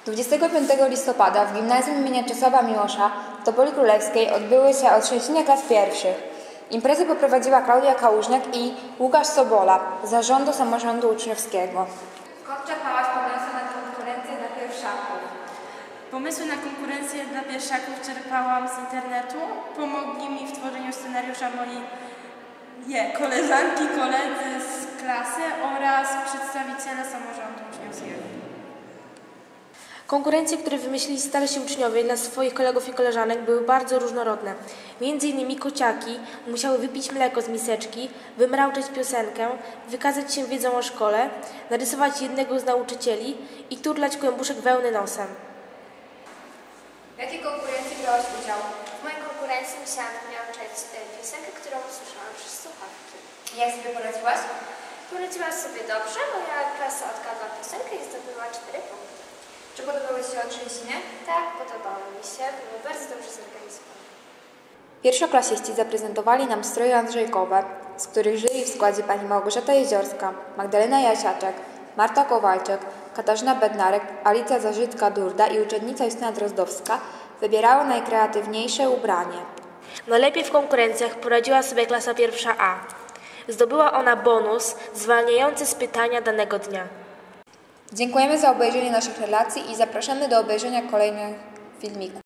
25 listopada w Gimnazjum im. Czesława Miłosza w Topoli Królewskiej odbyły się otrzęsienia klas pierwszych. Imprezę poprowadziła Klaudia Kałużniak i Łukasz Sobola z Zarządu Samorządu Uczniowskiego. Skąd czerpałaś pomysły na konkurencję dla pierwszaków? Pomysły na konkurencję dla pierwszaków czerpałam z internetu. Pomogli mi w tworzeniu scenariusza moi koleżanki, koledzy z klasy oraz przedstawiciele samorządu uczniowskiego. Konkurencje, które wymyślili starsi uczniowie dla swoich kolegów i koleżanek, były bardzo różnorodne. Między innymi kociaki musiały wypić mleko z miseczki, wymrauczeć piosenkę, wykazać się wiedzą o szkole, narysować jednego z nauczycieli i turlać kłębuszek wełny nosem. W jakiej konkurencji brałaś udział? W mojej konkurencji musiałam wymrauczać piosenkę, którą usłyszałam przez słuchawki. Jak sobie poradziłaś? Poradziłam sobie dobrze, moja klasa odgadła piosenkę i zdobyła 4 punkty. Czy podobały Ci się otrzęsienie? Tak, podobało mi się, było bardzo dobrze zorganizowane. Pierwszoklasiści zaprezentowali nam stroje andrzejkowe, z których jury w składzie pani Małgorzata Jeziorska, Magdalena Jasiaczek, Marta Kowalczyk, Katarzyna Bednarek, Alicja Zarzycka-Durda i uczennica Justyna Drozdowska wybierały najkreatywniejsze ubranie. Najlepiej w konkurencjach poradziła sobie klasa pierwsza A. Zdobyła ona bonus zwalniający z pytania danego dnia. Dziękujemy za obejrzenie naszych relacji i zapraszamy do obejrzenia kolejnych filmików.